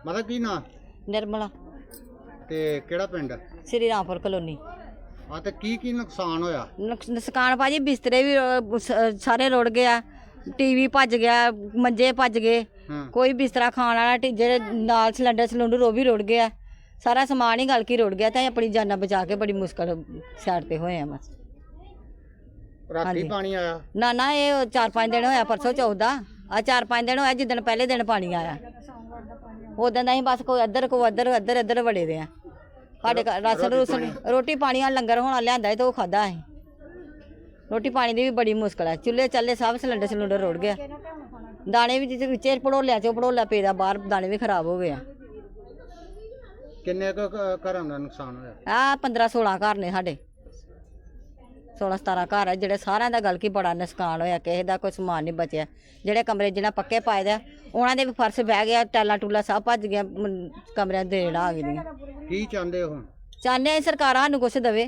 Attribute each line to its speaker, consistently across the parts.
Speaker 1: मतलब की ना
Speaker 2: निर्मला
Speaker 1: ते केड़ा पिंड
Speaker 2: श्री रामपुर कलोनी।
Speaker 1: हाँ ते की नुकसान होया?
Speaker 2: नुकसान भाजी बिस्तरे भी सारे रुड़ गया, टीवी भज गया, मंजे भज गए, कोई बिस्तरा खाने वाला जेह्ड़े नाल सिलेंडर वो भी रुड़ गया, सारा समान ही गल के रुड़ गया। तो अपनी जाना बचा के बड़ी मुश्किल साइड पे होए बस।
Speaker 1: राती पानी आया?
Speaker 2: ना ये 4-5 दिन होया, परसों 14 आ 4-5 दिन होया जिदन पहले दिन पानी आया। उदन अं बस कोई अद्धर बड़े दे साढ़े राशन रूसन रोटी पानी लंगर होना लिया तो खादा अं। रोटी पानी की भी बड़ी मुश्किल है, चूल्हे चल्ले सब सिलेंडर रुड़ गया। दाने भी जिसे भड़ोलिया भड़ोला पेदा बाहर दाने भी खराब हो गए।
Speaker 1: किन्ने घरों का नुकसान होया?
Speaker 2: 15-16 घर ने साढ़े, 16-17 घर है जेह्ड़े सारे का गल की बड़ा नुकसान होया। किसी का कोई समान नहीं बचया। जेह्ड़े कमरे जिन्हें पक्के पाए दे उन्होंने भी फर्श बह गया, टैला टूला सब भज गया, कमरे देड़ आ गई।
Speaker 1: की चाहते हो?
Speaker 2: चाहते सरकार सानू कुछ देवे।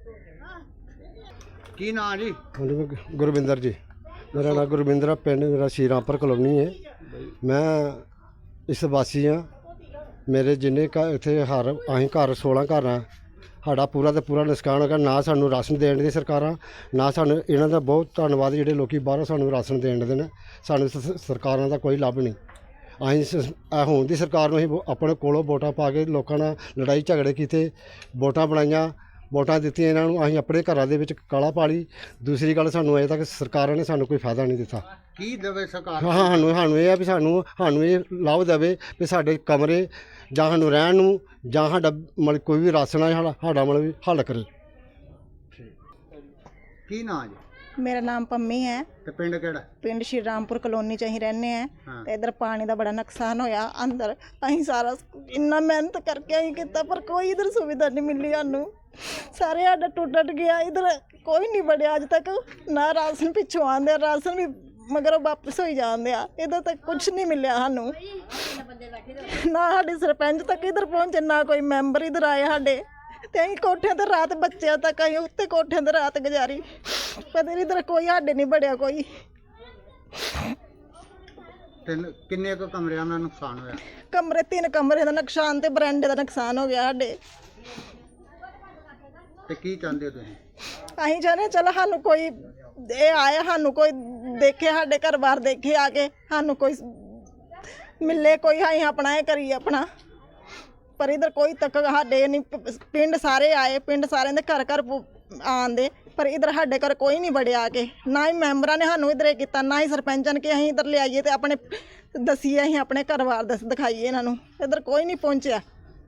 Speaker 1: की नाम जी?
Speaker 3: गुरविंदर जी, मेरा नाम गुरविंदर है, पिंड मेरा श्री रामपुर कलोनी है। मैं इस वासी हाँ। मेरे जिन्ने इतने हर अं घर 16 घर हैं, साड़ा पूरा तो पूरा नुकसान हो गया। ना सानू राशन देन दी सरकारां, ना सानू इन्हां दा बहुत धन्नवाद जेह्ड़े लोग बाहरों सानू राशन देन दे ने। सानू सरकारां दा कोई लाभ नहीं। अं हुण दी सरकार नूं असीं अपने कोलों वोटां पा के लोकां नाल लड़ाई झगड़े कीते, वोटां बनाईयां, वोटां दित्तियां इन्हां नूं, असीं अपने घरां दे विच काला पाली। दूसरी गल सानू अजे तक सरकारां ने सानू कोई फायदा नहीं दित्ता।
Speaker 1: की देवे सरकार?
Speaker 3: हाँ सानू ये है भी सानू ये लाभ देवे भी साडे कमरे जां सानू रहण नूं जां साडा मतलब कोई भी राशन है साडा मतलब हल करे।
Speaker 1: की नाम जी?
Speaker 4: मेरा नाम पम्मी है।
Speaker 1: ते पिंड केड़ा?
Speaker 4: पिंड श्री रामपुर कलोनी च अं रहने हैं। ते इधर पानी का बड़ा नुकसान होया। अंदर अं सारा इन्ना मेहनत करके अं किया पर कोई इधर सुविधा नहीं मिली सानू। सारे साडा टुट गया, इधर कोई नहीं बढ़िया अज तक। ना राशन पिछों आंदे, राशन भी मगर वापस हो जाते आ। इधर तक कुछ नहीं मिलया सानू, ना साडे सरपंच तक इधर पहुंचे, ना कोई मैंबर इधर आए साडे। ते अं कोठियां ते रात बच्चों तक अं उत्ते कोठियां ते रात गुजारी, पर इधर कोई साडे नहीं बढ़िया कोई।
Speaker 1: किन्ने को कमरियां का नुकसान होया?
Speaker 4: कमरे 3 कमरे का नुकसान ते बरांडे का नुकसान हो गया साडे।
Speaker 1: ते की चाहते हो तुसीं?
Speaker 4: अं चाहते चलो सानू कोई ये आए, सानू कोई देखे, साडे घर बार देखे आके, सानू कोई मिले, कोई अं अपना ये करिए अपना। पर इधर कोई तक साडे नहीं। पिंड सारे आए, पिंड सारे दे घर घर आंदे, पर इधर साडे घर कोई नहीं बड़े आके। ना ही मैंबरां ने सानू इधर किया, ना ही सरपंच ने कि अं इधर ले आइए तो अपने दसीए, अं अपने घर बार दिखाइए इन्हों। इधर कोई नहीं पहुंचा।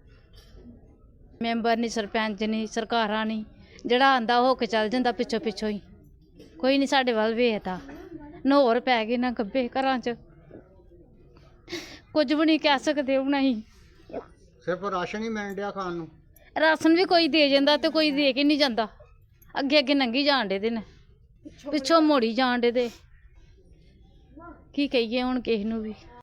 Speaker 5: मैंबर नहीं, सरपंच नहीं, सरकारां नहीं, जिहड़ा आंदा हो के चल जांदा पिछों पिछों ही। कोई नहीं साडे वल वेखदा। नहौर पै गए ना गब्बे घरां च, कुछ भी नहीं कह सकते हुण असीं।
Speaker 1: सिर्फ राशन ही मिल रहा खाण नूं?
Speaker 5: राशन भी कोई दे जांदा ते कोई दे के नहीं जांदा। अगे अगे लंघी जाण दे ने, पिछों मोड़ी जाण दे। की कहिए हुण किस नूं भी।